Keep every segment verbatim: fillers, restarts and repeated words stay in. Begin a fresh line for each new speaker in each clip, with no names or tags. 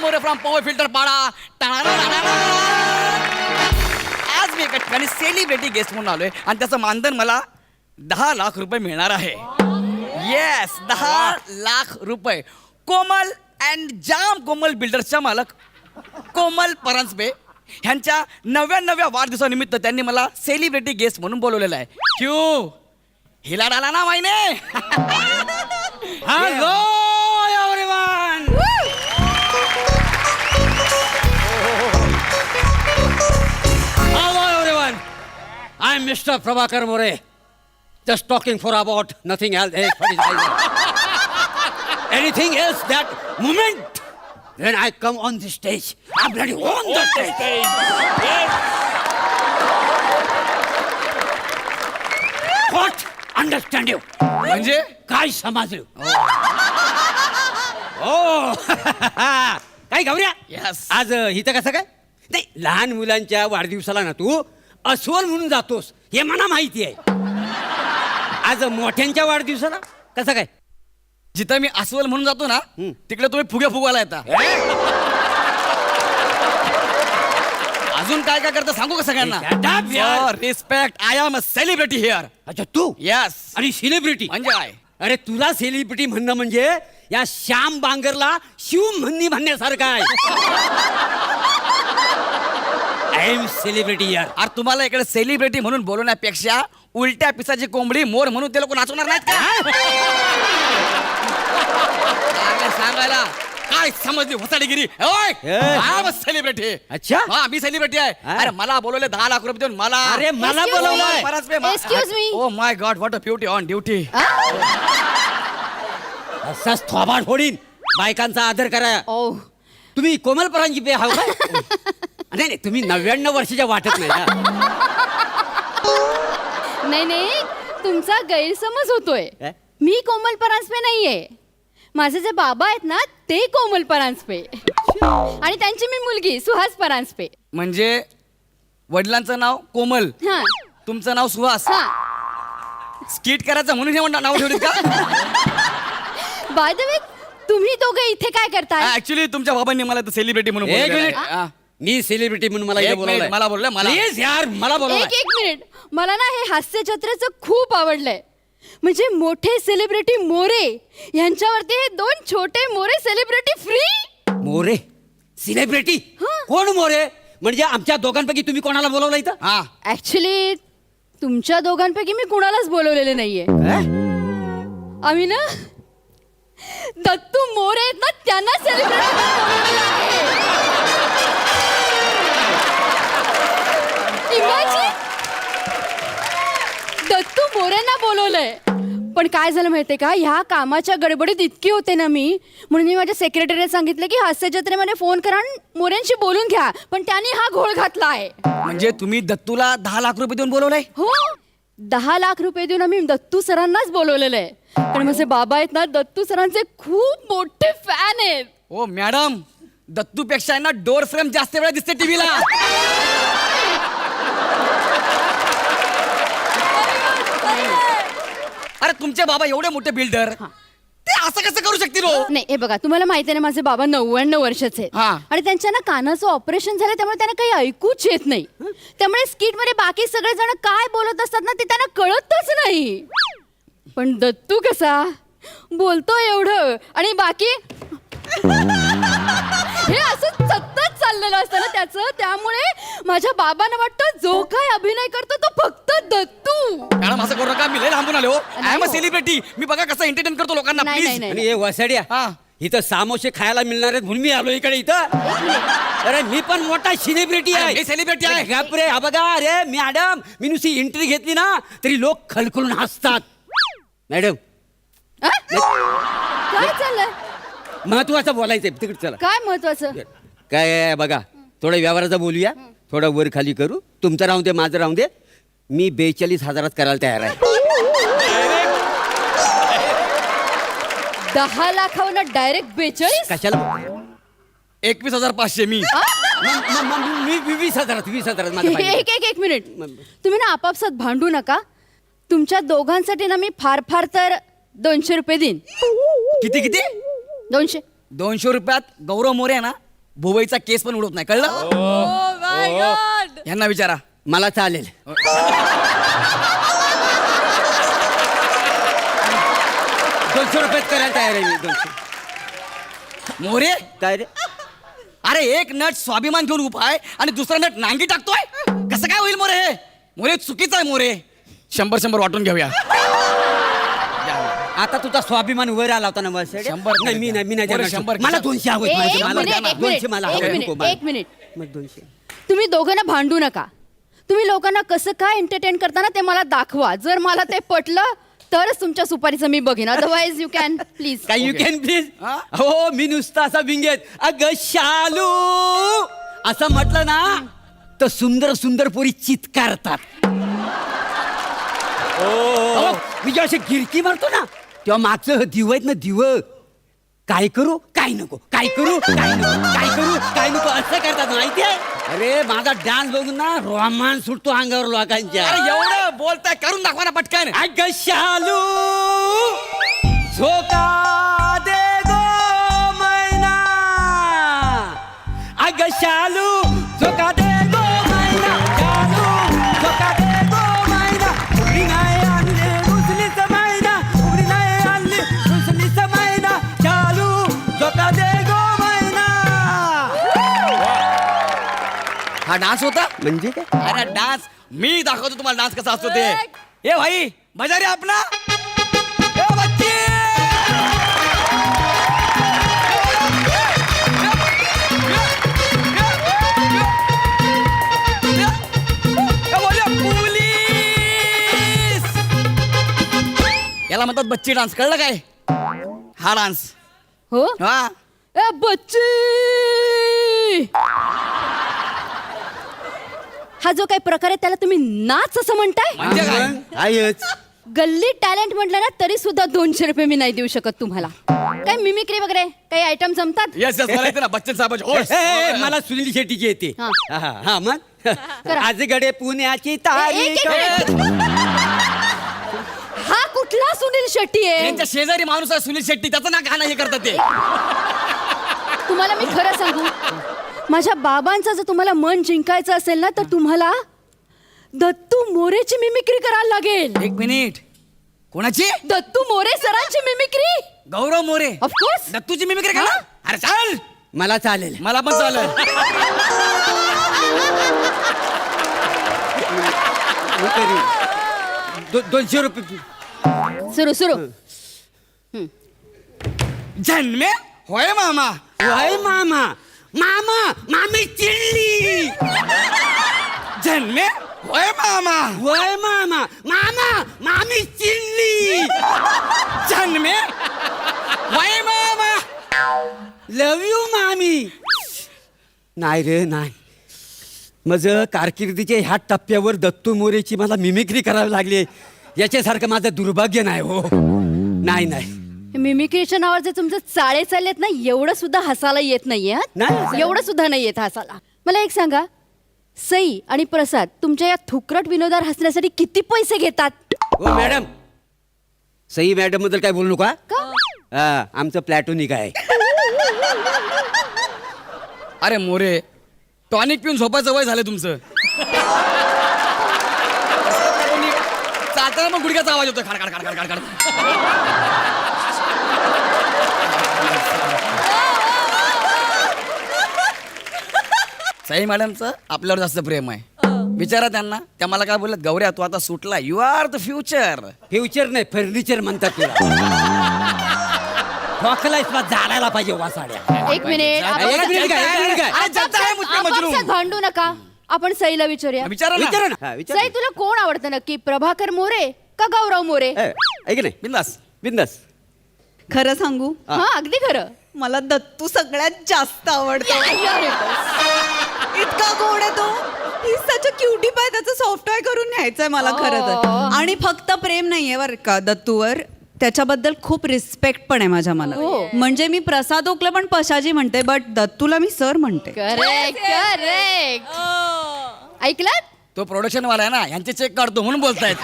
More from power filter पाडा. आज मी एका ठिकाणी सेलिब्रिटी गेस्ट म्हणून आलोय आणि त्याचं मानधन मला दहा लाख रुपये मिळणार आहे. येस, दहा लाख रुपये. कोमल अँड जाम कोमल बिल्डर्सच्या मालक कोमल परांजपे ह्यांच्या नव्याण्णव्या वाढदिवसानिमित्त त्यांनी मला सेलिब्रिटी गेस्ट म्हणून बोलवलेलं आहे. क्यू हिला डाला ना माहिने.
Hello everyone. Hello everyone. I am mister Prabhakar More. Just talking for about nothing else. Anything else that moment when I come on the stage, I'm ready on the stage. What? Understand you?
म्हणजे
काय समजलं? ओ काय गौऱ्या?
Yes.
आज इथं कसं काय? नाही, लहान मुलांच्या वाढदिवसाला ना तू अस्वल म्हणून जातोस हे मला माहिती आहे. आज मोठ्यांच्या वाढदिवसाला कसं काय?
जिथं मी अस्वल म्हणून जातो ना तिकडे तुम्ही फुगे फुगवायला येता. अजून काय काय करता सांगू का सगळ्यांना? Respect. I am a celebrity here.
अच्छा तू?
यस.
आणि सेलिब्रिटी
म्हणजे काय?
अरे तुला सेलिब्रिटी म्हणणं म्हणजे या श्याम बांगरला शिव म्हणणी म्हणण्यासारखं आहे. आय एम सेलिब्रिटी यार.
अरे तुम्हाला इकडे सेलिब्रिटी म्हणून बोलवण्यापेक्षा उलट्या पिसाची कोंबडी मोर म्हणून ते लोक नाचवणार नाहीत का? सांगायला काय समजली होसाडीगिरी? सेलिब्रिटी.
अच्छा.
हा मी सेलिब्रिटी आहे. अरे मला बोलवले दहा लाख रुपये देऊन मला.
अरे मला बोलवलंय.
Excuse me.
Oh my god, what a beauty on duty.
असाच थोबाड फोडीन. बायकांचा आदर करा.
ओ
तुम्ही कोमल परांजपे हाव काय? नाही नाही, तुम्ही नव्याण्णव वर्षाच्या वाटत नाही ना.
नाही नाही, तुमचा गैरसमज होतोय.
काय?
मी कोमल परांजपे नाहीये. माझे जे बाबा आहेत ना ते कोमल परांजपे आणि त्यांची मी मुलगी सुहास परांजपे.
म्हणजे वडिलांचं नाव कोमल,
हा
तुमचं नाव सुहास.
हा.
स्किट करायचं म्हणून हे म्हणता नाव ठेवलीत का?
बाय द वे, तुम्ही दोघे इथे काय करताय?
ऍक्च्युली तुमच्या बाबांनी मला सेलिब्रिटी म्हणून
एक
बोलवलेलं
मिनिट.
आहे. हा.
मी सेलिब्रिटी म्हणून मला इथे
एक
बोलवलंय.
मिनिट, मला बोललंय, मला.
प्लीज यार मला बोलवलंय.
एक एक मिनिट, मला ना हे हास्यचित्राचं खूप आवडलंय. म्हणजे मोठे सेलिब्रिटी मोरे यांच्यावरती हे दोन छोटे More celebrity free.
More celebrity? कोण मोरे? म्हणजे आमच्या दोघांपैकी तुम्ही कोणाला बोलवलं इथं?
हा.
ऍक्च्युली तुमच्या दोघांपैकी मी कुणालाच बोलवलेले नाहीये. आम्ही ना दत्तू मोरे आहेत ना त्यांना सेलिब्रिटी बोलवलेलं आहे. Imagine! दत्तू मोरेंना बोलवलंय. पण काय झालं माहितीये का, ह्या कामाच्या गडबडीत इतकी होते ना मी, म्हणून मी माझ्या सेक्रेटरीने सांगितलं की हास्य जत्रेमध्ये फोन करा आणि मोरेंशी बोलून घ्या. पण त्यांनी हा घोळ घातला आहे.
म्हणजे तुम्ही दत्तूला दहा लाख रुपये देऊन बोलवलंय?
हो, दहा लाख रुपये देऊन आम्ही दत्तू सरांनाच बोलवलेलं आहे. पण माझे बाबा आहेत ना दत्तू सरांचे खूप मोठे फॅन आहेत.
ओ मॅडम, दत्तू पेक्षा ना डोर फ्रेम जास्त वेळा दिसते टीव्हीला. अरे तुमचे बाबा एवढे मोठे बिल्डर, ते असं कसं करू शकतील? हो
नाही, हे बघा, तुम्हाला माहिती आहे ना माझे बाबा नव्याण्णव वर्षाचे आहेत.
हा.
आणि त्यांच्या ना कानाचं ऑपरेशन झालं, त्यामुळे त्यांना काही ऐकूच येत नाही. त्यामुळे स्किट मध्ये बाकी सगळे जण काय बोलत असतात ना ते त्यांना कळतच नाही. पण दत्तू कसा बोलतो एवढं आणि बाकी हे असं सतत चाललेलं असतं ना त्याचं. त्यामुळे माझ्या बाबांना वाटतं जो काय अभिनय करतो तो फक्त दत्तू.
मॅडम असं करू नका, मी लय लांबून आलो. I am a celebrity. मी बघा कसं एंटरटेन करतो लोकांना.
नाही,
प्लीज.
नाही,
आणि हे वसाड्या
हा.
इथं सामोसे खायला मिळणार आहेत म्हणून मी आलो इकडे इथं. अरे मी पण मोठा सेलिब्रिटी आहे.
मी सेलिब्रिटी आहे.
बापरे, हा बघा. अरे मॅडम, मी नुसती एंट्री घेतली ना तरी लोक खलखलून हसतात. मॅडम
आ? काय चाललंय?
महत्वाचं बोलायचंय, तिकडे चला.
काय महत्वाचं?
काय आहे बघा, थोडं व्यवहाराचं बोलूया. थोडं वर खाली करू. तुमचं राहून दे, माझं राहून दे. मी बेचाळीस हजारात करायला तयार आहे.
दहा लाखावर डायरेक्ट बेचाळीस?
कशाला?
एकवीस हजार पाचशे मी.
म- म- म- मी मी वीस हजारात वीस हजारात माझं पाहिजे.
एक एक एक मिनिट, तुम्ही ना आपापसात भांडू नका. तुमच्या दोघांसाठी ना मी फार फार तर दोनशे रुपये देईन.
किती किती?
दोनशे.
दोनशे रुपयात गौरव मोरे आहे ना भुवईचा केस पण उडत नाही, कळलं? यांना विचारा.
मला चालेल. दोनशे रुपयात करायला तयार आहे मी. दोनशे.
मोरे,
काय रे?
अरे एक नट स्वाभिमान घेऊन उभा आहे आणि दुसरा नट नांगी टाकतोय. कसं काय होईल मोरे? हे मोरे चुकीचं आहे मोरे. शंभर शंभर वाटून घेऊया.
आता तुझा स्वाभिमान वर आला होता ना मला.
शंभर
नाही मी नाही मी नाही
बरं,
देणार.
शंभर.
मला दोनशे हवे.
ए, एक
मला
मिनिट,
द्या.
एक
दोनशे
मिनिट,
मला
एक
हवे.
मिनिट,
नको मला.
एक मिनिट.
मग दोनशे.
तुम्ही दोघांना भांडू नका. तुम्ही लोकांना कसं काय एंटरटेन करताना ते मला दाखवा. जर मला ते पटलं तरच तुमच्या सुपारीचं मी बघेन. Otherwise you can please.
काय यू कॅन प्लीज.
हा?
हो मी नुसता असा विंगेत अग शालू असं म्हटलं ना तर सुंदर सुंदर पोरी चित्कारतात. अहो, मी जेव्हा अशी गिरकी मारतो ना तेव्हा मागचं दिव आहेत ना दिव काय करू काय नको काय करू काय नको काय करू काय नको असं करतात माहितीये. अरे माझा डान्स बघून ना रोमांस सुटतो अंगावर लोकांच्या.
अरे एवढं बोलताय, करून दाखवा ना पटकन.
अग शालू झोका दे गो मैना. अग शालू झोका दे गो मैना. शालू झोका दे गो मैना. उघडी नाही आणली रुसलीच मैना. उघडी नाही आणली रुसलीच मैना. शालू झोका दे गो मैना.
हा डान्स होता
म्हणजे काय?
अरे डान्स मी दाखवतो तुम्हाला डान्स कसा असतो ते. ए भाई मजा रे आपला. ए बच्चे ए, बोलिया, पोलीस. याला म्हणतात बच्ची डान्स, कळलं काय? हा डान्स.
हो
हा
ए बच्ची. हा जो काही प्रकार आहे त्याला तुम्ही नाच असं म्हणताय?
म्हणजे काय?
आहेच.
गल्ली टॅलेंट म्हटलं ना तरी सुद्धा दोनशे रुपये मी नाही देऊ शकत तुम्हाला. काय मिमिक्री वगैरे काही आयटम जमतात?
येस येस मला येते ना बच्चन साहेब.
ए, ए, मला सुनील शेट्टीची येते.
हा.
हा हा मग
करा.
आजगडे पुण्याची
ए, एक-
तारीख.
एक हा कुठला सुनील शेट्टी आहे?
त्यांच्या शेजारी माणूस आहे सुनील शेट्टी, त्याचं ना गाणं हे करतात ते.
तुम्हाला मी खरं सांगू, माझ्या बाबांचं जर तुम्हाला मन जिंकायचं असेल ना तर तुम्हाला दत्तू मोरेची मिमिक्री करायला लागेल.
एक मिनिट, कोणाची?
दत्तू मोरे सरांची मिमिक्री.
गौरव मोरे.
ऑफकोर्स.
दत्तूची मिमिक्री का? अरे चाल,
मला चालेल.
मला पण चालेल.
मी करीन. दो- दोनशे रुपये.
सुरू सुरू.
जन्मे होय मामा.
वय मामा मामा मामी चिडली.
जन्मे होय मामा.
वय मामा मामा मामी चिडली.
जन्मे होय मामा.
लव यू मामी. नाही रे नाही. माझं कारकिर्दीच्या ह्या टप्प्यावर दत्तू मोरेची मला मिमिक्री करावी लागली याच्यासारखं माझं दुर्भाग्य नाही. हो नाही नाही
मिमिक्रीच्या नावावर जे तुमचे चाळे चाललेत ना एवढं सुद्धा हसायला येत नाहीये.
नाही
हा?
हसायला.
एवढं सुद्धा नाही येत हसायला. मला एक सांगा, सई आणि प्रसाद तुमच्या या थुकरट विनोदावर हसण्यासाठी किती पैसे घेतात?
हो मॅडम, सई मॅडम बद्दल काय बोलू नका.
का?
हा, आमचं प्लॅटोनिक आहे.
अरे मोरे, टॉनिक पिऊन झोपायचं वय झालं तुमचं. चालताना मग गुडघ्याचा आवाज होतो खाड खाड खाड खाड खाड खाड. साई मॅडमचं आपल्यावर जास्त प्रेम आहे. विचारा त्यांना, त्या मला काय बोलत, गौऱ्या तू आता सुटला, you are the future.
Future नाही फर्निचर म्हणतात तुला. ठोकला इस्पात जाडायला पाहिजे वासाड्या.
एक मिनिट.
जा-
आपण-
एक मिनिट काय, एक मिनिट काय?
अरे जाता आहे मुझके मजनू.
आपापसात भांडू नका. आपण सईला विचारूया.
विचारा ना.
विचारा ना. हा, विचारा
सई तुला कोण आवडतं नक्की, प्रभाकर मोरे का गौरव मोरे?
ए, ऐक नाही
बिंदास.
बिंदास.
खरं सांगू,
हा.
हा अगदी खरं.
मला दत्तू सगळ्यात जास्त आवडतो. इतका गोड आहे तो. ही सच क्युटी पाय, त्याचं सॉफ्टवेअर करून न्यायचंय मला खरं
Oh.
तर. आणि फक्त प्रेम नाहीये बरं का दत्तूवर, त्याच्याबद्दल खूप रिस्पेक्ट पण आहे माझ्या मनात.
Oh.
म्हणजे मी प्रसाद ओकला पण पशाजी म्हणते, बट दत्तूला मी सर म्हणते.
Correct correct. ऐकलात?
तो प्रोडक्शन वाला आहे ना, यांचे चेक काढतो म्हणून बोलतायत.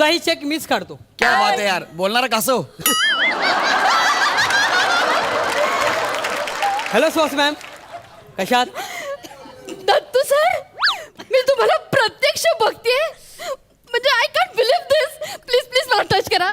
तुझाही चेक मीच काढतो.
क्या बात आहे यार, बोलणारा कसं?
हॅलो सुहास मॅम, कशात?
दत्तू सर, मी तुम्हाला प्रत्यक्ष बघते म्हणजे I can't believe this. Please please मला टच करा.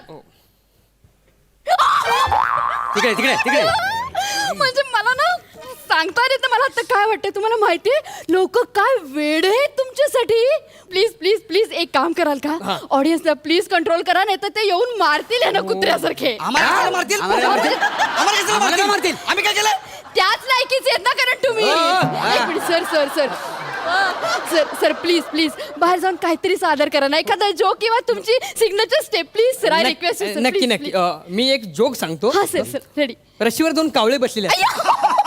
तिकडे तिकडे तिकडे.
म्हणजे मला ना सांगता येत नाही मला आता काय वाटतंय. तुम्हाला माहितीये लोक काय वेड आहेत तुमच्यासाठी. प्लीज प्लीज प्लीज एक काम कराल का, ऑडियन्सला प्लीज कंट्रोल करा, नाही तर ते येऊन मारतील आहे ना कुत्र्यासारखे.
आम्हाला कशाला मारतील?
आम्हाला काय मारतील?
आम्हाला कशाला
आम्हाला काय
मारतील?
मारतील?
आम्ही काय केलं?
त्याच लायकीचे आहेत ना कारण तुम्ही.
हो, हो.
एक minute sir sir sir sir sir please please बाहेर जाऊन काहीतरी सादर करा ना, एखादा जोक किंवा तुमची signature step please sir. I request
नक्की नक्की नक्की. अ, मी एक जोक सांगतो.
हा सर सर रेडी.
रशीवर दोन कावळे बसलेले आहेत.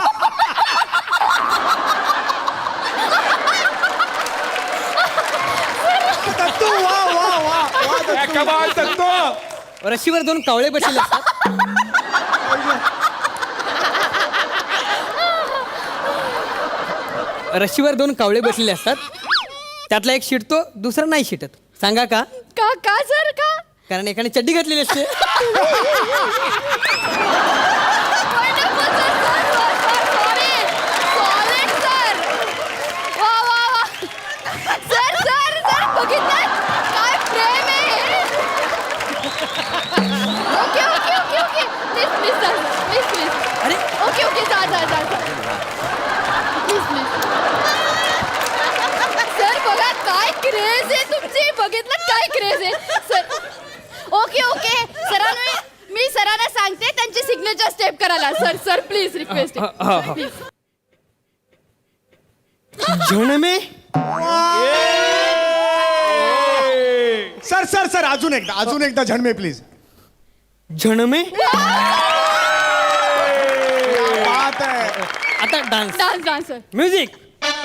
दत्तू वा वा वा वा दत्तू.
कमाल दत्तू.
रशीवर दोन कावळे बसलेले असतात. रशीवर दोन कावळे बसलेले असतात, त्यातला एक शिटतो, दुसरा नाही शिटत. सांगा का?
का का सर का?
कारण एकाने चड्डी घातलेली असते.
Wonderful, sir, sir, sir, sir, sorry. Solid, sir. वा, वा, वा. Sir, sir, sir, बघितलं? काय प्रेम आहे हे? Okay, okay, okay, okay. Please, please, sir. Please, please.
अरे
Okay, okay, जा, जा, जा, जा. Please, please. Sir, बघा काय क्रेज आहे तुमची. बघितलं काय क्रेज आहे सर. ओके ओके सरांना मी सरांना सांगते त्यांची सिग्नेचर स्टेप करायला. सर सर प्लीज रिक्वेस्ट
हा, हा, हा.
प्लीज.
जण में
सर सर सर अजून एकदा अजून एकदा झणमे प्लीज.
जण में
बात आहे.
आता dance
dance dance sir.
Music.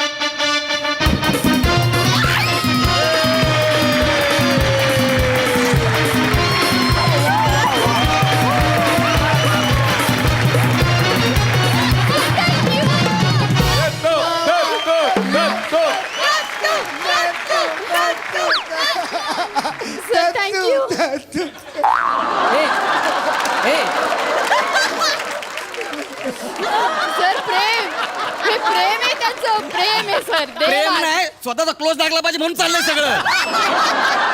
Sir thank you.
Dattu.
हे हे
सर प्रेम हे प्रेम आहे त्यांचं. प्रेम आहे सर.
प्रेम नाही, स्वतःचा क्लोज लागला पाहिजे म्हणून चाललंय सगळं.